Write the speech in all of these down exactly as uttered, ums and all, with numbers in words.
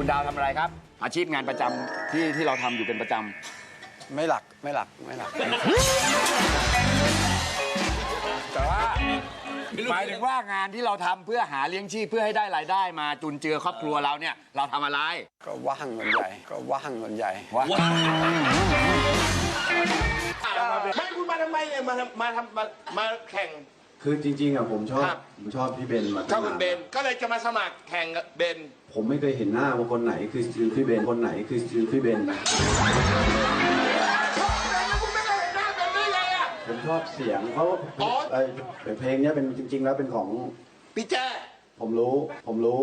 คุณดาวทำอะไรครับอาชีพงานประจำที่ที่เราทำอยู่เป็นประจำไม่หลักไม่หลักไม่หลักแต่ว่าหมายถึงว่างานที่เราทำเพื่อหาเลี้ยงชีพเพื่อให้ได้รายได้มาจุนเจือครอบครัวเราเนี่ยเราทำอะไรก็ว่างส่วนใหญ่ก็ว่างส่วนใหญ่ว่างไม่คุณมาทำไมเนี่ยมามาทำมามาแข่งคือจริงๆอ่ะผมชอบผมชอบพี่เบนมาชอบคุณเบนก็เลยจะมาสมัครแข่งกับเบนผมไม่เคยเห็นหน้าว่าคนไหนคือพี่เบนคนไหนคือพี่เบนผมชอบเสียงเพราะว่าเพลงนี้เป็นจริงๆแล้วเป็นของพี่แจ้ผมรู้ผมรู้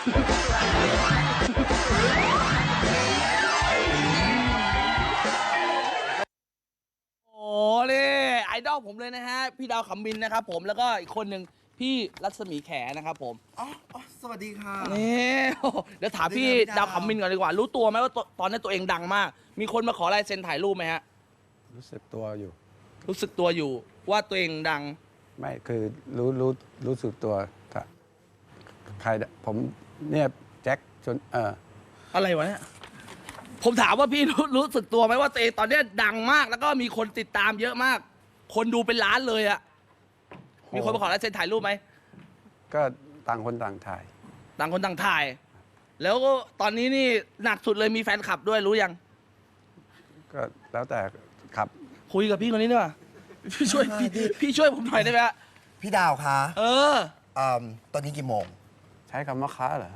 โอ้นี่ไอดอลผมเลยนะฮะพี่ดาวขำมินนะครับผมแล้วก็อีกคนหนึ่งพี่รัศมีแขนะครับผมอ๋อสวัสดีค่ะนี่เดี๋ยวถามพี่ดาวขำมินก่อนดีกว่ารู้ตัวไหมว่าตอนนี้ตัวเองดังมากมีคนมาขอลายเซ็นถ่ายรูปไหมฮะรู้สึกตัวอยู่รู้สึกตัวอยู่ว่าตัวเองดังไม่คือรู้รู้รู้สึกตัวถ้าใครผมเนี่ยแจ็คจนเอออะไรวะเนี่ยผมถามว่าพี่รู้รู้สึกตัวไหมว่าตัวเองตอนนี้ดังมากแล้วก็มีคนติดตามเยอะมากคนดูเป็นล้านเลยอะมีคนมาขอลายเซ็นถ่ายรูปไหมก็ต่างคนต่างถ่ายต่างคนต่างถ่ายแล้วก็ตอนนี้นี่หนักสุดเลยมีแฟนคลับด้วยรู้ยังก็แล้วแต่ครับคุยกับพี่คนนี้ดีกว่าพี่ช่วยพี่พี่ช่วยผมหน่อยได้ไหมฮะพี่ดาวคะเออตอนนี้กี่โมงใช้คำว่าค้าเหรอ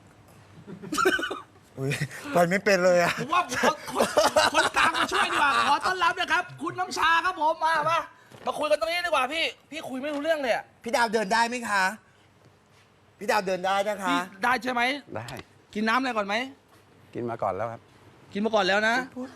ไปไม่เป็นเลยอะผมว่าคนคนกลางมาช่วยดีกว่าขอต้อนรับนะครับคุณน้ำชาครับผมมามามาคุยกันตรงนี้ดีกว่าพี่พี่คุยไม่รู้เรื่องเลยอะพี่ดาวเดินได้ไหมคะพี่ดาวเดินได้นะคะพี่ได้ใช่ไหมได้กินน้ำอะไรก่อนไหมกินมาก่อนแล้วครับกินมาก่อนแล้วนะ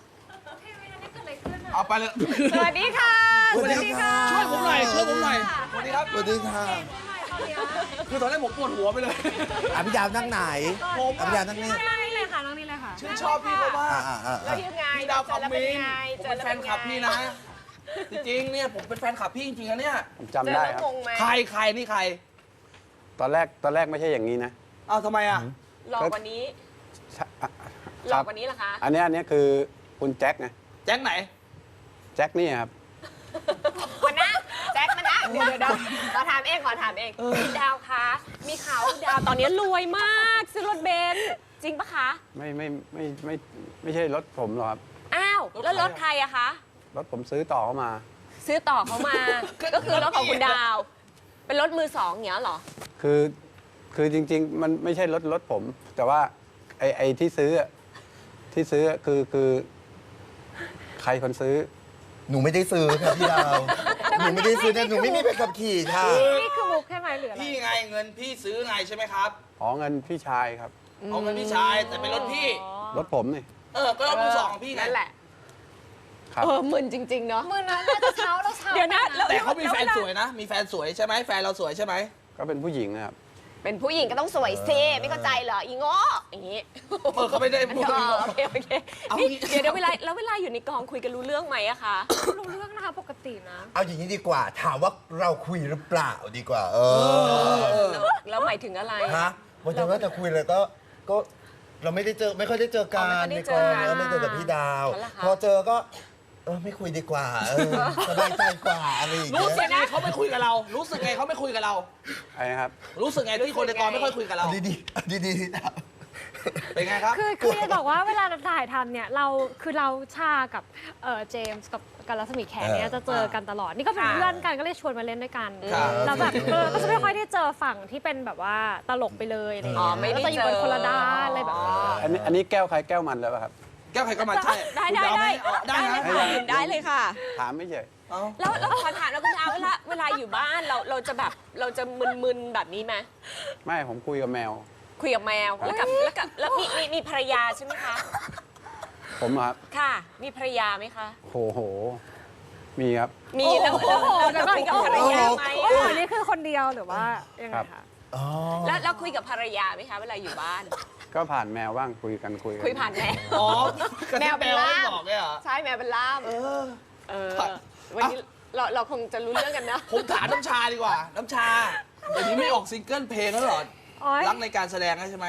เอาไปเลยสวัสดีค่ะสวัสดีค่ะช่วยผมหน่อยช่วยผมหน่อยสวัสดีครับสวัสดีค่ะคือตอนแรกผมปวดหัวไปเลยอ่ะพี่ดาวนั่งไหนผมพี่ดาวนั่งนี่นั่งนี่เลยค่ะนั่งนี่เลยค่ะชื่นชอบพี่เพราะว่าแล้วยังไงพี่ดาวขำมินผมเป็นแฟนคลับพี่นะจริงๆเนี่ยผมเป็นแฟนคลับพี่จริงๆนะเนี่ยผมจำได้ครับใครใครนี่ใครตอนแรกตอนแรกไม่ใช่อย่างนี้นะอ้าวทำไมอ่ะหลอกกว่านี้หลอกกว่านี้เหรอคะอันนี้อันนี้คือคุณแจ็คไงแจ็คไหนแจ็คนี่ครับมันนะแจ็คมันนะเดี๋ยวเดี๋ยวขอถามเองขอถามเองพี่ดาวคะมีข่าวดาวตอนนี้รวยมากซื้อรถเบนซ์จริงปะคะไม่ไม่ไม่ไม่ไม่ใช่รถผมหรอกครับอ้าวแล้วรถใครอะคะรถผมซื้อต่อเข้ามาซื้อต่อเขามาก็คือรถของคุณดาวเป็นรถมือสองเงี้ยหรอคือคือจริงๆมันไม่ใช่รถรถผมแต่ว่าไอ้ไอ้ที่ซื้อที่ซื้อคือคือใครคนซื้อหนูไม่ได้ซื้อค่ะพี่ดาวหนูไม่ได้ซื้อนะหนูไม่มีใบขับขี่ค่ะนี่คือมุกใช่ไหมหรืออะไรพี่ไงเงินพี่ซื้อไงใช่ไหมครับอ๋อเงินพี่ชายครับอ๋อเงินพี่ชายแต่เป็นรถพี่รถผมนี่เออก็รถมือสองของพี่นั่นแหละเออมึนจริงๆเนาะมึนนะเราเช้าเราเช้าเดี๋ยวนะแต่เขามีแฟนสวยนะมีแฟนสวยใช่ไหมแฟนเราสวยใช่ไหมก็เป็นผู้หญิงนะครับเป็นผู้หญิงก็ต้องสวยซิไม่เข้าใจเหรออีง้ออย่างนี้เออเขาไม่ได้พูดโอเคโอเคเดี๋ยวเดี๋ยวเวลาแล้วเวลาอยู่ในกองคุยกันรู้เรื่องไหมอะคะรู้เรื่องนะคะปกตินะเอาอย่างนี้ดีกว่าถามว่าเราคุยหรือเปล่าดีกว่าเออแล้วหมายถึงอะไรฮะวันนี้ว่าจะคุยเลยก็ก็เราไม่ได้เจอไม่ค่อยได้เจอกันในกองแล้วไม่เจอกับพี่ดาวพอเจอก็เออไม่คุยดีกว่าเออสบายใจกว่าอะไรอย่างเงี้ยรู้สึกไงเขาไม่คุยกับเรารู้สึกไงเขาไม่คุยกับเราไอ้ครับรู้สึกไงที่คนในกองไม่ค่อยคุยกับเราดีดีดีดีเป็นไงครับคือคือจะบอกว่าเวลาเราถ่ายทำเนี่ยเราคือเราชากับเออเจมส์กับกับรัศมีแขกเนี่ยจะเจอกันตลอดนี่ก็เป็นเพื่อนกันก็เลยชวนมาเล่นด้วยกันแล้วแบบก็จะไม่ค่อยได้เจอฝั่งที่เป็นแบบว่าตลกไปเลยอะไรอย่างเงี้ยก็จะอยู่เป็นคนละด้านอะไรแบบนี้อันนี้อันนี้แก้วใครแก้วมันแล้วครับแก้วใครก็มาใช่ได้ได้ได้ได้เลยค่ะได้เลยค่ะถามไม่ใช่แล้วเราขอถามแล้วคุณดาวเวลาเวลาอยู่บ้านเราเราจะแบบเราจะมึนๆแบบนี้ไหมไม่ผมคุยกับแมวคุยกับแมวแล้วกับแล้วกับแล้วมีมีมีภรรยาใช่ไหมคะผมครับค่ะมีภรรยาไหมคะโอ้โหมีครับมีแล้วแล้วเราคุยกับภรรยาไหมอันนี้คือคนเดียวหรือว่ายังไงคะแล้วเราคุยกับภรรยาไหมคะเวลาอยู่บ้านก็ผ่านแมวบ้างคุยกันคุยคุยผ่านแมวอ๋อแมวเป็นล่ามบอกเลยเหรอใช่แมวเป็นล่ามเออเออวันนี้เราเราคงจะรู้เรื่องกันนะผมถามน้ำชาดีกว่าน้ำชาเดี๋ยวนี้ไม่ออกซิงเกิลเพลงแล้วหรอรักในการแสดงใช่ไหม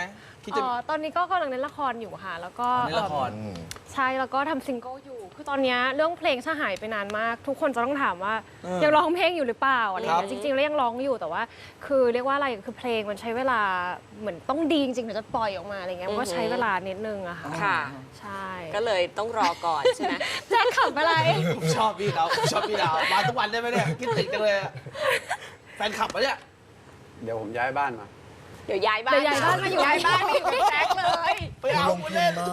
คิดจะเอ่อตอนนี้ก็กำลังเล่นละครอยู่ค่ะ แล้วก็อ๋อเล่นละครเอ่อใช่แล้วก็ทำซิงเกิลอยู่ คือตอนเนี้ยเรื่องเพลงชาหายไปนานมาก ทุกคนจะต้องถามว่าเออยังร้องเพลงอยู่หรือเปล่าอะไรอย่างครัเงี้บยจริงๆแล้วยังร้องอยู่แต่ว่า คือเรียกว่าอะไรคือเพลงมันใช้เวลาเหมือนต้องดีจริงๆถึงจะปล่อยออกมาอะไรเงี้ยมันก็ใช้เวลานิดนึงอะค่ะค่ะใช่ก็เลยต้องรอก่อนใช่ไหมแจ็คขับอะไรผมชอบพี่เขาผมชอบพี่ดาวมาทุกวันได้ไหมเนี่ยคิดติดกันเลยอะแฟนคลับปะเนี่ยเดี๋ยวผมย้ายบ้านมาเดี๋ยวย้ายบ้านเดี๋ยวย้ายบ้านมาอยู่ย้ายบ้านมาอยู่กับแจ็คเลยไปเอาลงคุณทุนเล่นมาก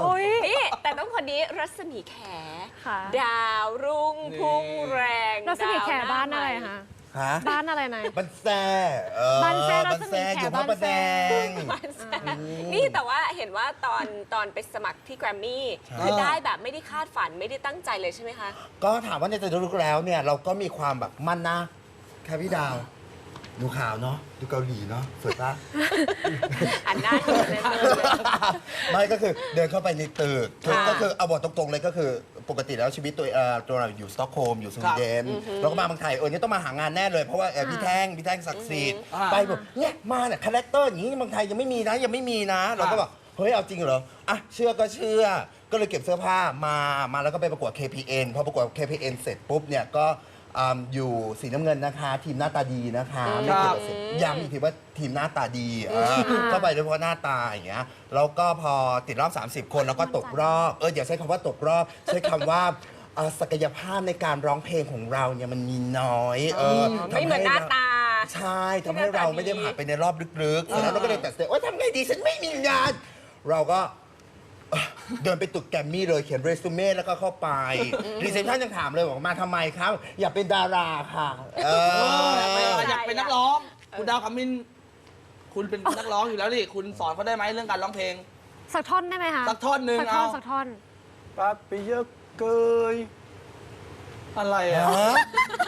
อุ้ยนี่แต่ต้องคนนี้รัศมีแขค่ะดาวรุ่งพุ่งแรงรัศมีแขดวหบ้านอะไรใหม่คะฮะบ้านอะไรนะบันแซ่เออบันแซ่รับันศมีแซ่แขอยู่พระประแดงบ้านแซ่นี่แต่ว่าเห็นว่าตอนตอนไปสมัครที่แกรมมี่คือได้แบบไม่ได้คาดฝันไม่ได้ตั้งใจเลยใช่ไหมคะก็ถามว่าในใจลึกๆแล้วเนี่ยเราก็มีความแบบมั่นนะแค่พี่ดาว ดูข่าวเนาะดูเกาหลีเนาะสวยปะอันหน้าดูเลยเลยไม่ก็คือเดินเข้าไปในตึกค่ะก็คือเอาบอกตรงๆเลยก็คือปกติแล้วชีวิตตัวเอ่อตัวเราอยู่สต็อกโฮล์มอยู่สวีเดนแล้วก็มาเมืองไทยเออเนี่ยต้องมาหางานแน่เลยเพราะว่าเอ่อพี่แท่งพี่แท่งศักดิ์สิทธิ์อ่าไปแบบเนี่ยมาเนี่ยคาแรคเตอร์อย่างนี้เมืองไทยยังไม่มีนะยังไม่มีนะ เราก็แบบเฮ้ยเอาจริงเหรออ่ะเชื่อก็เชื่อ ก็เลยเก็บเสื้อผ้ามามาแล้วก็ไปประกวด เค พี เอ็น พอประกวด เค พี เอ็น เสร็จปุ๊บเนี่ยก็อ่าอยู่สีน้ำเงินนะคะ ทีมหน้าตาดีนะคะไม่เกี่ยวกับสีย้ำอีกทีว่าทีมหน้าตาดีอ่าก็ไปด้วยเพราะหน้าตาอย่างเงี้ยแล้วก็พอติดรอบ สามสิบ คนแล้วก็ตกรอบเอออย่าใช้คำว่าตกรอบ ใช้คำว่าอ่าศักยภาพในการร้องเพลงของเราเนี่ยมันมีน้อยเออทำไม่เหมือนหน้าเราตาใช่ทำให้เราไม่ได้ผ่านไปในรอบลึกๆเสร็จแล้วเราก็เลยตัดสินใจว่าทำไงดีฉันไม่มีงาน เราก็เอ่อเดินไปตึกแกรมมี่เลยเขียนเรซูเม่แล้วก็เข้าไปรีเซพชันยังถามเลยบอกมาทำไมครับ อยากเป็นดาราค่ะเอเออออยากเป็นนักร้อง คุณดาวขมินคุณเป็นนักร้องอยู่แล้วนี่คุณสอนเขาได้ไหมเรื่องการร้องเพลงสักท่อนได้ไหมคะสักท่อนหนึ่งสักท่อนเอาสักท่อนปาปิเยอะเกยอะไรอ่ะฮะ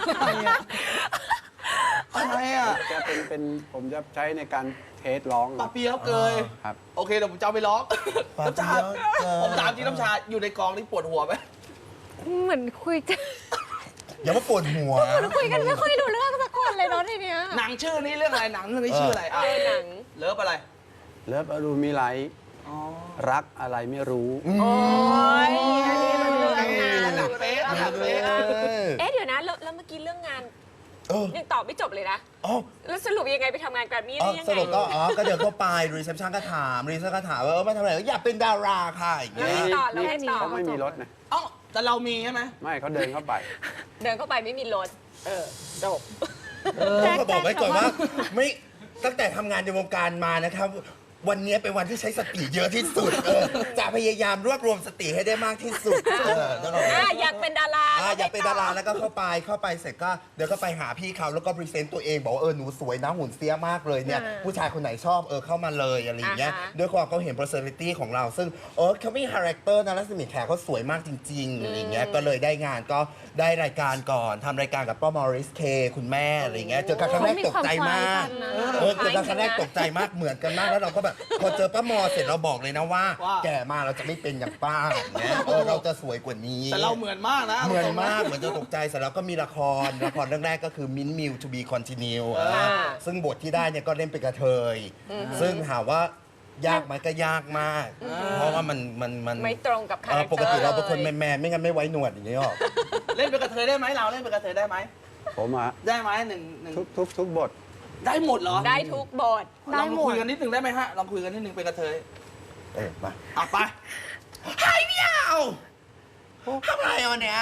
อะไรอ่ะจะเป็นเป็นผมจะใช้ในการเทสร้องปาเปียวเกยครับโอเคเดี๋ยวผมจะเอาไปร้องปาน้ำเปี๊ชายวเกยผมถามจริงน้ำชาอยู่ในกองนี่ปวดหัวไหมเหมือนคุยกันอย่ามาปวดหัวคุยกันไม่ค่อยรู้เรื่องสักคนเลยเนาะทีเนี้ยหนังชื่อนี้เรื่องอะไรหนังเรื่องนี้ชื่ออะไรอ่ะเออหนังเลิฟอะไรเลิฟอรูมิไลท์รักอะไรไม่รู้โอ้ยอันนี้มันเรื่องงานหนังเป๊ะหนังเป๊ะเอ๊ะเดี๋ยวนะแล้วแล้วเมื่อกี้เรื่องงานเออยังตอบไม่จบเลยนะอ๋อแล้วสรุปยังไงไปทำงานแกรมมี่อ๋อได้ยังสไงรุปก็อ๋อก็เดินเข้าไปรีเซพชันก็ถามรีเซพชันก็ถามว่าเออมาทำอะไรอยากเป็นดาราค่ะอย่างแล้วเงี้ไงยต่อแล้วไงต่อเขาไม่มีรถนะเอ้าแต่เรามีใช่ไหมไม่เขาเดินเข้าไปเดินเข้าไปไม่มีรถ เออจบก็บอกไว้ก่อนว่าไม่ตั้งแต่ทำงานในวงการมานะครับ วันนี้เป็นวันที่ใช้สติเยอะที่สุดเออจะพยายามรวบรวมสติให้ได้มากที่สุดเออต้องบอกอ่ะว่าอยากเป็นดาราอ่ะอยากเป็นดาราแล้แล้ว วก็เข้าไปเข้าไปเสร็จก็เดินเข้าไปหาพี่เขาแล้วก็พรีเซนต์ตัวเองบอกว่าเออหนูสวยนะหุ่นเสียมากเลยเนี่ยอ่าผู้ชายคนไหนชอบเออเข้ามาเลยอะไรอย่างเงี้ยด้วยความเขาเห็น personality ของเรา ซึ่งเออเขามี character นะรัศมีแขกเขาสวยมากจริงๆอะไรอย่างเงี้ยก็เลยได้งานก็ได้รายการก่อนทำรายการกับป้ามอริสเคคุณแม่อะไรอย่างเงี้ยเจอกันครั้งแรกตกใจมาก เออเจอกันครั้งแรกตกใจมากเหมือนกันมากแล้วเราก็แบบพอเจอป้ามอเสร็จเราบอกเลยนะว่าว่าแก่มาเราจะไม่เป็นอย่างป้าอย่างเงี้ยเออเราจะสวยกว่านี้แต่เราเหมือนมากนะเหมือนมากเหมือนจะตกใจเสร็จแล้วก็มีละครละครเรื่องแรกก็คือมินมิว to be continue อ่าซึ่งบทที่ได้เนี่ยก็เล่นเป็นกระเทย ซึ่งถามว่ายากไหมก็ยากมาก เพราะว่ามันมันมันไม่ตรงกับคาเอแรอคเตอร์ปกติเราเป็นคนลยแมนๆไม่งั้นไม่ไว้หนวดอย่างนี้หรอกเล่นเป็นกระเทยได้ไหมเราเล่นเป็นกระเทยได้ไหมผมอะได้ไหมหนึ่งหนึ่งทุกทุกทุกบทได้หมดเหรอได้ทุกบทลองคุยกันนิดหนึ่งได้ไหมฮะลองคุยกันนิดหนึ่งเป็นกระเทยเออมาอ่ะไปไอ้เดียวทำอะไรวันเนี้ย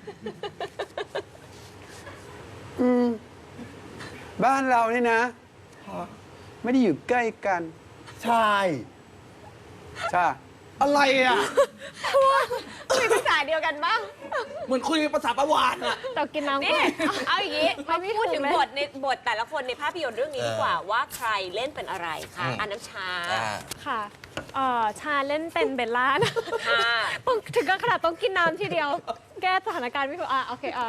อืมบ้านเรานี่นะ ไม่ได้อยู่ใกล้กันใช่ใช่อะไรอ่ะคุยภาษาเดียวกันบ้างเหมือนคุยภาษาประวานอ่ะเรากินน้ำนี่ก่อนเอาอย่างนี้ไม่มาไม่พูดถูกถึงเลยบทในบทแต่ละคนในภาพยนตร์เรื่องนี้ดีกว่าว่าใครเล่นเป็นอะไรคะอันน้ำชาอ่าค่ะเอ่อชาเล่นเป็นเบลล่านะค่ะต้องถึงกับขนาดต้องกินน้ำทีเดียว แก้สถานการณ์ไม่ถูกอ่ะโอเคอ่ะ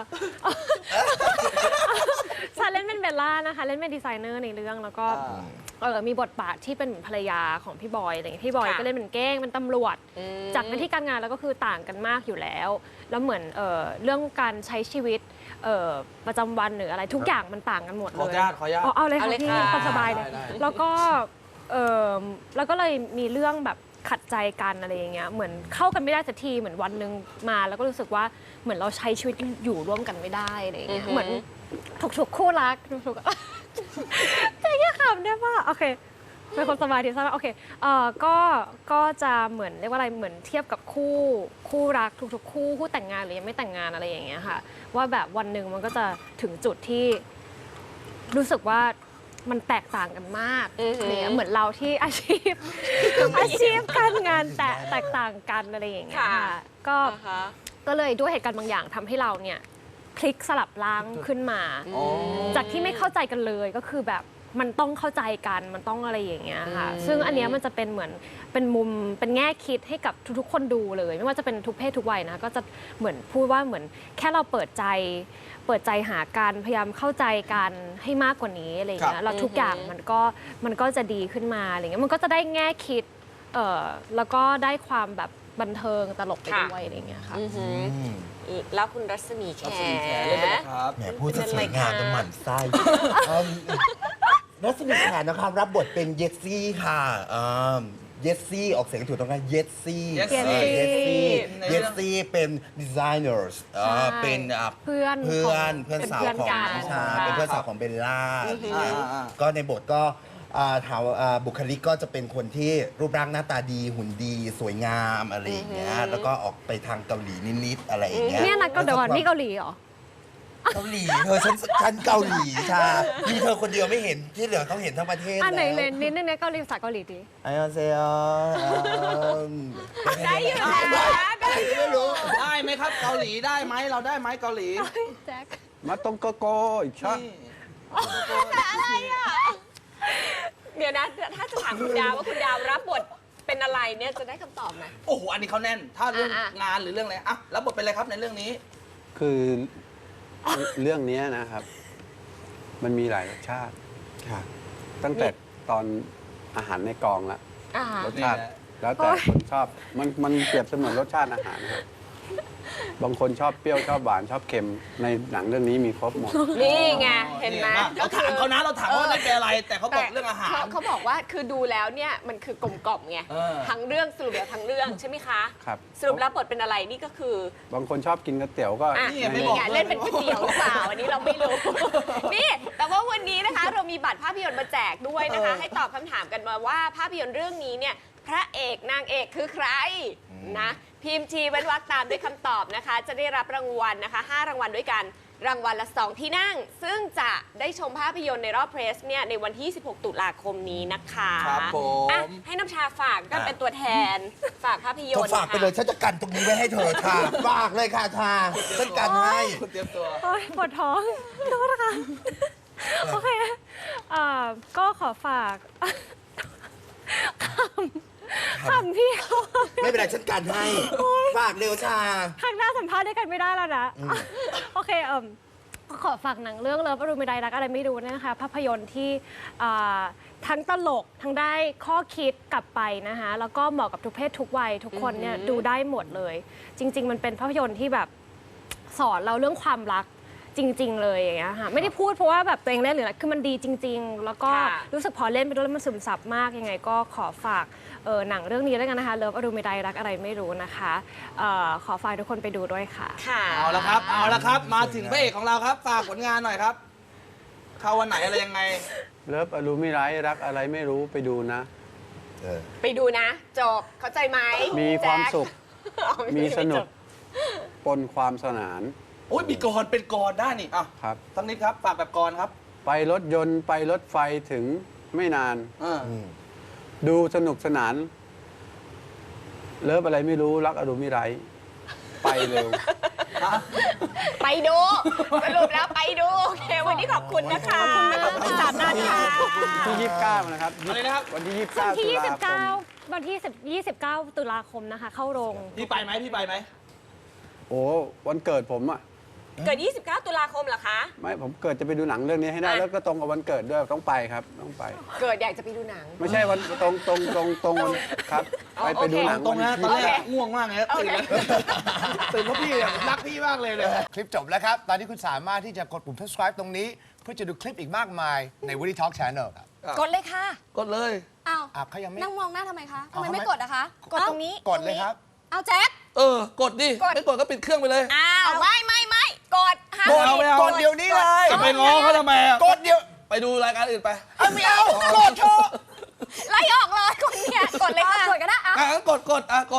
ชาเล่นเป็นเบลล่านะคะ เล่นเป็นดีไซเนอร์ในเรื่องแล้วก็เออมีบทบาทที่เป็นเหมือนภรรยาของพี่บอยอะไรอย่างเงี้ยพี่บอยค่ะก็เล่นเป็นเก้งเป็นตำรวจอืมจากหน้าที่การงานแล้วก็คือต่างกันมากอยู่แล้ว แล้วเหมือนเออเรื่องการใช้ชีวิตเอ่อประจำวันหรืออะไรทุกอย่างมันต่างกันหมดขเลอย อนุญาตขออนุญาตเอาเอาเลยเอาค่ะเลยพี่ค่ะตามสบายเลยได้ได้แล้วก็เออแล้วก็เลยมีเรื่องแบบขัดใจกันอะไรอย่างเงี้ยเหมือนเข้ากันไม่ได้สักทีเหมือนวันหนึ่งมาแล้วก็รู้สึกว่าเหมือนเราใช้ชีวิตอยู่ร่วมกันไม่ได้อะไรอย่างเงี้ยเหมือนถูกๆคู่รักถูกๆใจแค่คำได้ป่ะโอเคเป็นคนสมาธิสั้นโอเคเอ่อก็ก็จะเหมือนเรียกว่าอะไรเหมือนเทียบกับคู่คู่รักทุกๆคู่คู่แต่งงานหรือยังไม่แต่งงานอะไรอย่างเงี้ยค่ะว่าแบบวันหนึ่งมันก็จะถึงจุดที่รู้สึกว่ามันแตกต่างกันมากเนี่ยเหมือนเราที่อาชีพ อาชีพการงานแตกแตกต่างกันอะไรอย่างเงี้ยค่ะก็ก็เลยด้วยเหตุการณ์บางอย่างทำให้เราเนี่ยพลิกสลับร่างขึ้นมาจากที่ไม่เข้าใจกันเลยก็คือแบบมันต้องเข้าใจกันมันต้องอะไรอย่างเงี้ยค่ะซึ่งอันเนี้ยมันจะเป็นเหมือนเป็นมุมเป็นแง่คิดให้กับทุกๆคนดูเลยไม่ว่าจะเป็นทุกเพศทุกวัยนะก็จะเหมือนพูดว่าเหมือนแค่เราเปิดใจเปิดใจหากันพยายามเข้าใจกันให้มากกว่านี้อะไรอย่างเงี้ยแล้วทุกอย่างมันก็มันก็จะดีขึ้นมาอะไรเงี้ยมันก็จะได้แง่คิดเอ่อแล้วก็ได้ความแบบบันเทิงตลกไปด้วยอะไรเงี้ยค่ะแล้วคุณรัศมีแขเล่นไปเลยครับแหมพูดจะสวยงามแต่หมั่นไส้รัศมีแขนะครับรับบทเป็นเยสซี่ค่ะเยสซี่ออกเสียงถูกต้องกันเยสซี่เยสซี่เยสซี่เป็นดีไซเนอร์เป็นเพื่อนเพื่อนเพื่อนสาวของนิชาเป็นเพื่อนสาวของเบลล่าก็ในบทก็ถามบุคลิกก็จะเป็นคนที่รูปร่างหน้าตาดีหุ่นดีสวยงามอะไรอย่างเงี้ยแล้วก็ออกไปทางเกาหลีนิดๆอะไรอย่างเงี้ยเนี่ยนักก็เดี๋ยวก่อนนี่เกาหลีเหรอเกาหลีเธอฉันฉันเกาหลีค่ะมีเธอคนเดียวไม่เห็นที่เหลือเขาเห็นทั้งประเทศแล้วอันไหนเลยนิดนึงเนี่ยเกาหลีภาษาเกาหลีดีไอออนเซโอได้อยู่นะได้อยู่ไม่รู้ได้ไหมครับเกาหลีได้ไหมเราได้ไหมเกาหลีแจ็คมาตรงโกโก้อีกชั้นอะไรอ่ะเดี๋ยวนะถ้าจะถามคุณดาวว่าคุณดาวรับบทเป็นอะไรเนี่ยจะได้คำตอบไหมโอ้โหอันนี้เขาแน่นถ้าเรื่องงานหรือเรื่องอะไรอ่ะรับบทเป็นอะไรครับในเรื่องนี้คือเรื่องนี้นะครับมันมีหลายรสชาติตั้งแต่ตอนอาหารในกองละรสชาติแล้วแต่คนชอบมันมันเปรียบเสมือนรสชาติอาหารครับบางคนชอบเปรี้ยวชอบหวานชอบเค็มในหนังเรื่องนี้มีครบหมดนี่ไงเห็นไหมเราถามเขานะเราถามว่าได้เป็นอะไรแต่เขาบอกเรื่องอาหารเขาบอกว่าคือดูแล้วเนี่ยมันคือกลมกล่อมไงทั้งเรื่องสรุปแล้วทั้งเรื่องใช่ไหมคะครับสรุปรับบทเป็นอะไรนี่ก็คือบางคนชอบกินก๋วยเตี๋ยวก็นี่ไม่บอกเล่นเป็นก๋วยเตี๋ยวหรือเปล่าอันนี้เราไม่รู้นี่แต่ว่าวันนี้นะคะเรามีบัตรภาพยนตร์มาแจกด้วยนะคะให้ตอบคำถามกันมาว่าภาพยนตร์เรื่องนี้เนี่ยพระเอกนางเอกคือใครนะพิมพ์ทีเว้นวรรคตามด้วยคำตอบนะคะจะได้รับรางวัลนะคะห้ารางวัลด้วยกันรางวัลละสองที่นั่งซึ่งจะได้ชมภาพยนตร์ในรอบเพรสเนี่ยในวันที่สิบหกตุลาคมนี้นะคะครับผมให้น้ำชาฝากก็เป็นตัวแทนฝากภาพยนตร์ฝากไปเลยฉันจะกันตรงนี้ไว้ให้เธอค่ะฝากเลยค่ะชาฉันกันให้เตรียมตัวปวดท้องโทษนะคะโอเคก็ขอฝากคำพี่เขาไม่เป็นไรฉันกันให้ฝากเร็วชาครั้งหน้าสัมภาษณ์ด้วยกันไม่ได้แล้วนะโอเคเอ่อขอฝากหนังเรื่องเลิฟอรุณไม่ได้รักอะไรไม่รู้นะคะภาพยนตร์ที่ทั้งตลกทั้งได้ข้อคิดกลับไปนะคะแล้วก็เหมาะกับทุกเพศทุกวัยทุกคนเนี่ยดูได้หมดเลยจริงๆมันเป็นภาพยนตร์ที่แบบสอนเราเรื่องความรักจริงๆเลยอย่างเงี้ยค่ะไม่ได้พูดเพราะว่าแบบตัวเองเล่นหรืออะไรคือมันดีจริงๆแล้วก็รู้สึกพอเล่นไปด้วยแล้วมันซึมซับมากยังไงก็ขอฝากหนังเรื่องนี้ด้วยกันนะคะเลิฟอรุณไม่ได้รักอะไรไม่รู้นะคะขอฝากทุกคนไปดูด้วยค่ะเอาละครับเอาละครับมาถึงพระเอกของเราครับฝากผลงานหน่อยครับเข้าวันไหนอะไรยังไงเลิฟอรุณไม่ได้รักอะไรไม่รู้ไปดูนะไปดูนะจบเข้าใจไหมมีความสุขมีสนุกปนความสนานโอ้ยมีกรเป็นกรได้นี่อ่ะครับตั้งนิดครับฝากแบบกรครับไปรถยนต์ไปรถไฟถึงไม่นานดูสนุกสนานเลิฟอะไรไม่รู้รักอรุณมิไรไปเร็วไปดูสรุปแล้วไปดูโอเควันนี้ขอบคุณนะคะขอบคุณสามนาทีที่ยี่สิบเก้านะครับอะไรนะครับวันที่ยี่สิบเก้าวันที่ยี่สิบเก้าวันที่ยี่สิบเก้าตุลาคมนะคะเข้าโรงพี่ไปไหมพี่ไปไหมโอ้วันเกิดผมอ่ะเกิดยี่สิบเก้าตุลาคมเหรอคะไม่ผมเกิดจะไปดูหนังเรื่องนี้ให้ได้แล้วก็ตรงกับวันเกิดด้วยต้องไปครับต้องไปเกิดอยากจะไปดูหนังไม่ใช่วันตรงตรงตรงตรงวันครับไปไปดูหนังตรงนะตอนแรกง่วงมากเลยตื่นแล้วตื่นเพราะพี่รักพี่มากเลยเลยคลิปจบแล้วครับตอนนี้คุณสามารถที่จะกดปุ่ม subscribe ตรงนี้เพื่อจะดูคลิปอีกมากมายใน Woody Talk Channel ครับกดเลยค่ะกดเลยอ้าวอ่ะเขายังไม่นั่งมองหน้าทำไมคะทำไมเอาไม่ทำไมกดอะคะกดตรงนี้กดเลยครับเอาแจ็คเออกดดิไม่กดก็ปิดเครื่องไปเลยอ้าวไม่ไม่ไม่กดห้ามกดเอาไม่เอากดเดี๋ยวนี้เลยจะไปง้อเขาทำไมอ่ะกดเดี๋ยวไปดูรายการอื่นไปเอาไม่เอา กดเถอะไล่ออกเลยคนเนี้ยกดเลยค่ะกดก็ได้อะอ่ะงั้นกดกดอ่ะกด